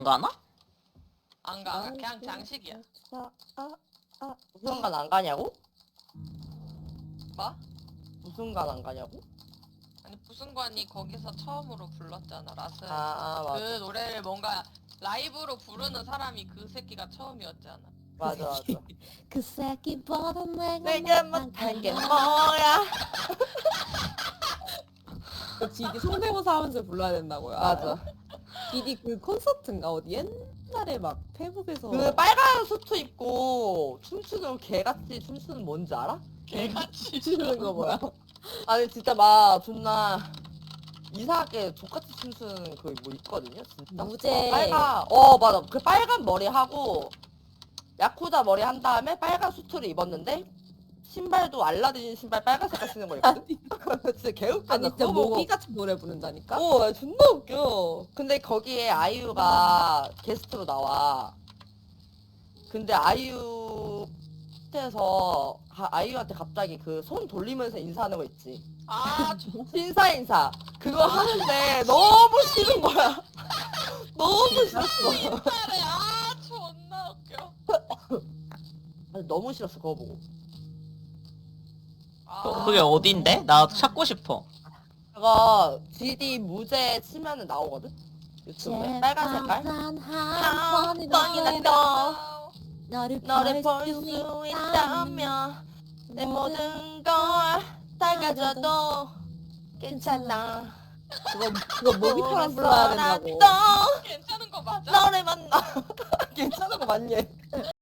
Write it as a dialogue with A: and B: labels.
A: 가나?
B: 안 가. 그냥 장식이야.
C: 무슨 관 안 가냐고?
B: 뭐?
C: 무슨 관 안 가냐고?
B: 아니 부승관이 거기서 처음으로 불렀잖아 라스.
C: 맞아.
B: 그 노래를 뭔가 라이브로 부르는 사람이 그 새끼가 처음이었잖아.
C: 맞아.
D: 그 새끼보다
C: 내가 못한 게 뭐야?
E: GD 성대모사 하면서 불러야 된다고요.
C: 맞아.
E: GD 그 콘서트인가 어디 옛날에 막 페북에서
C: 그 빨간 수트 입고 춤추는 개같이 춤추는 뭔지 알아?
B: 개같이.
E: 추는 거 뭐야?
C: 아니 진짜 막 존나 이상하게 족같이 춤추는 그 뭐 있거든요 진짜.
E: 무제.
C: 빨간 맞아. 그 빨간 머리 하고 야쿠자 머리 한 다음에 빨간 수트를 입었는데 신발도 알라딘 신발 빨간 색깔 신는 거 있거든? 진짜 개웃겨.
E: 아니 진짜 모기 같은 노래 부른다니까?
C: 존나 웃겨. 근데 거기에 아이유가 게스트로 나와. 근데 아이유 에서 아이유한테 갑자기 그 손 돌리면서 인사하는 거 있지.
B: 아
C: 인사 그거 하는데 너무 싫은 거야. 너무 싫었어.
B: 진짜래. 아 존나 웃겨.
C: 아니, 너무 싫었어 그거 보고.
B: 아,
A: 그게 어딘데? 나 찾고 싶어.
C: 그거 GD 무제 치면은 나오거든. 유튜브에 빨간 색깔.
D: 한
C: 뻥이나 떠.
D: 너를
C: 너를 볼
D: 수
C: 수
D: 있다면
C: 있다면 내 모든 걸 다 가져도 괜찮아.
E: 그거 모기처럼 불러야 된다고.
C: 또
B: 괜찮은 거 맞아?
C: 너를 만나. 괜찮은 거 맞니?